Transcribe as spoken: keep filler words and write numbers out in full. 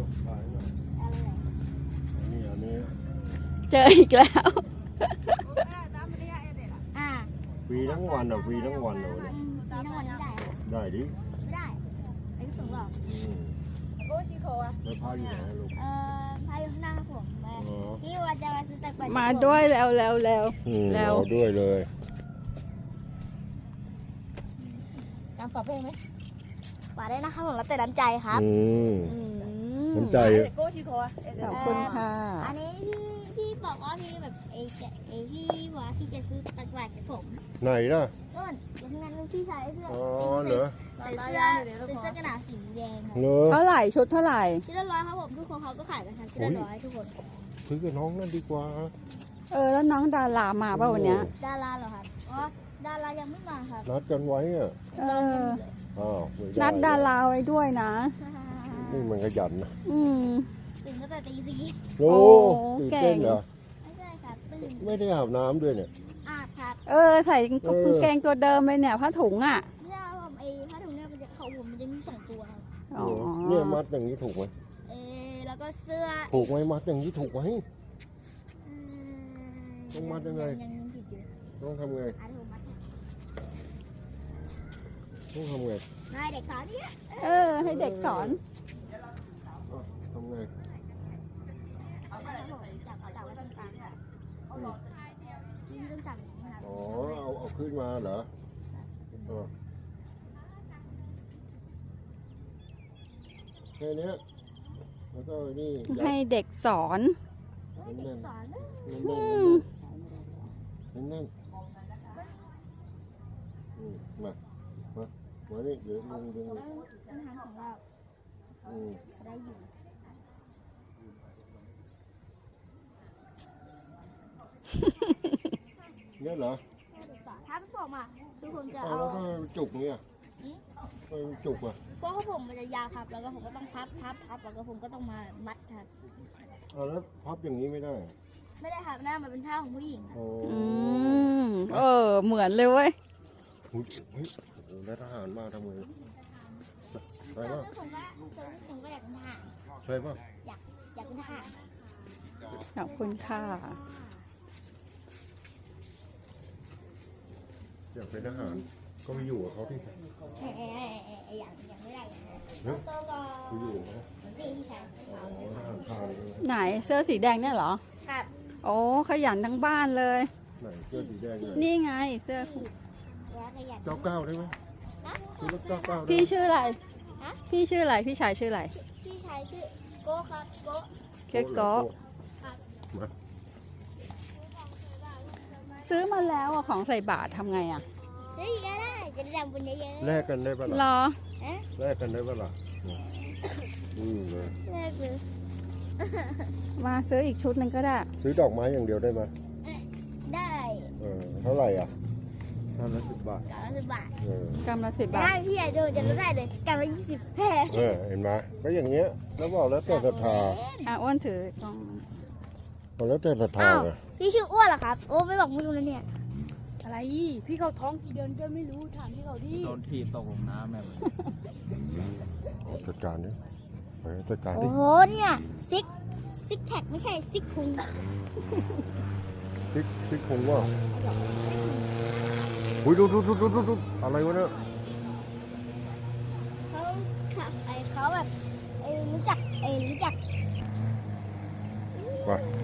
ถ่ายหน่อยอันนี้อันนี้เจออีกแล้วอ่าฟรีทั้งวันอ่ะฟรีทั้งวันเลยมีทั้งวันนี้ได้ได้ดิไม่ได้ไม่สูงหรอกอืมแล้วพาอยู่ไหนลูกเอ่อพายุหน้าผมแม่อ๋อพี่ว่าจะมาซื้อแต่ก่อนมาด้วยแล้วแล้วแล้วอืมแล้วเอาด้วยเลยการปรับเพลงไหมปาได้นะคะผมรับแต่น้ำใจครับอืมอืมน้ำใจขอบคุณค่ะอันนี้พี่พี่บอกว่าพี่แบบเอจะเอพี่ว่าพี่จะซื้อตะกร้ากับผมไหนล่ะต้นอย่างนั้นพี่ชายเสื้ออ๋อเหรอใส่เสื้อใส่เสื้อกันหนาวสีแดงครับเหรอเท่าไหร่ชุดเท่าไหร่ชิ้นละร้อยครับผมทุกคนเขาก็ขายกันค่ะชิ้นละร้อยทุกคนซื้อกับน้องนั่นดีกว่าเออแล้วน้องดารามาป่ะวันเนี้ยดาราเหรอครับอ๋อดารายังไม่มาครับนัดกันไว้อ่ะเอออ้าวไม่ไนัดดาราไว้ด้วยนะนี่มันขยันนะอืมตื่นตั้งแต่ตีสี่โอ้โอ้ตื่นเก่เต้งนเหรอไม่ใช่ครับตื่นไม่ได้อาบน้ำด้วยเนี่ยอาบครับเออใส่กางเกงตัวเดิมเลยเนี่ยผ้าถุงอ่ะเนี่ยผมไอ้ผ้าถุงเนี่ยมันจะเขาผมมันจะมีสองตัวครับอ๋อเนี่ยมัดอย่างนี้ถูกไหมเออแล้วก็เสื้อถูกไหมมัดอย่างนี้ถูกไหมอืมต้องมัดยังไงยังยังผิดอยู่ต้องทำไงอันผมมัดต้องทำไงนายเด็กสาวเนี่ยเออ ให้เด็กสอนอ้าวทำไงจับจับไว้ตรงกลางค่ะนี่ต้องจับอย่างนี้ครับอ๋อเอาเอาขึ้นมาเหรอเออแค่เนี้ยแล้วก็นี่ยัดให้เด็กสอนเด็กสอนนะแน่นอืๆมแน่นๆแน่นๆอืมมามามานี่เดี๋ยวลุงดึงต้องต้องทำของเราอืมจะได้อยู่เนี่ยเหรอเด็กสอนถ้าเป็นผมอ่ะคือผมจะเอาเอาแล้วก็จุกเนี่ยไปจุกอ่ะเพราะเขาผมมันจะยาวครับ แล้วก็ผมก็ต้องพับพับพับแล้วก็ผมก็ต้องมามัดครับเอาแล้วพับอย่างนี้ไม่ได้อะไม่ได้ครับหน้ามันเป็นท่าของผู้หญิงครับโอ้อืมเออ เหมือนเลยเว้ยเฮ้ยเฮ้ยโอ้โหแล้วทหารมาทำไงใช่ตอนป่ะนี้ผมก็ตอนนี้ผมก็อยากเป็นทหารใช่ป่ะอยากอยากเป็นทหารขอบคุณค่ะอยากเป็นทหารก็ไปอยู่กับเขาที่เอ้ยเอ้ยเอ้ยเอ้ยเอ้ยอย่างอย่างไม่ได้อย่างนั้นแล้วตัวก็ไปอยู่กับเขานี่พี่ชายอ๋อทหารพรานเลยไหนเสื้อสีแดงเนี่ยเหรอครับโอ้ขยันทั้งบ้านเลยไหนเสื้อสีแดงเลยนี่ไงเสื้อแล้วก็อยากเก้าเก้าได้ไหมนะคือรถเก้าเก้าได้พี่ไหมชื่ออะไรฮะพี่ชื่ออะไร พี่ชายชื่ออะไรพี่ชายชื่อโก้ครับโก้เค้กโก้ครับมาซื้อมาแล้วอะของใส่บาตรทำไงอะซื้ออีกก็ได้จะได้ทำบุญเยอะแลกกันได้ปะรล่ะอๆเอ๊ะแลกกันได้ปะล่ะอืมเลยแรกเลยมาซื้ออีกชุดหนึ่งก็ได้ซื้อดอกไม้อย่างเดียวได้ไหมได้เออเท่าไหร่อ่ะท่านละสิบบาทกล่องละสิบบาทเออกำละสิบบาได้ทพี่ใหญ่โดนจะลดได้เลยกล่องละยี่สิบแพงเออเห็นไหมก็อย่างเงี้ยแล้วบอกแล้วแต่ศรัทธาอ่ะอ้วนถือกล้องบอกแล้วแต่ศรัทธาอ้าวไงพี่ชื่ออ้วนเหรอครับ โอ้ไม่บอกไม่รู้เลยเนี่ยอะไร พี่เขาท้องกี่เดือนก็ไม่รู้ถามพี่เขาดิโดนถีบตกลงน้ำแบบเอาจัดการดิไปจัดการโอ้ดิโหเนี่ยซิกซิกแพคไม่ใช่ซิกพุงซิกซิกคงว่าอุ้ยดูดูดูดูดูดูอะไรวะเนี่ยเขาขับไอเขาแบบไอรู้จักไอรู้จักไป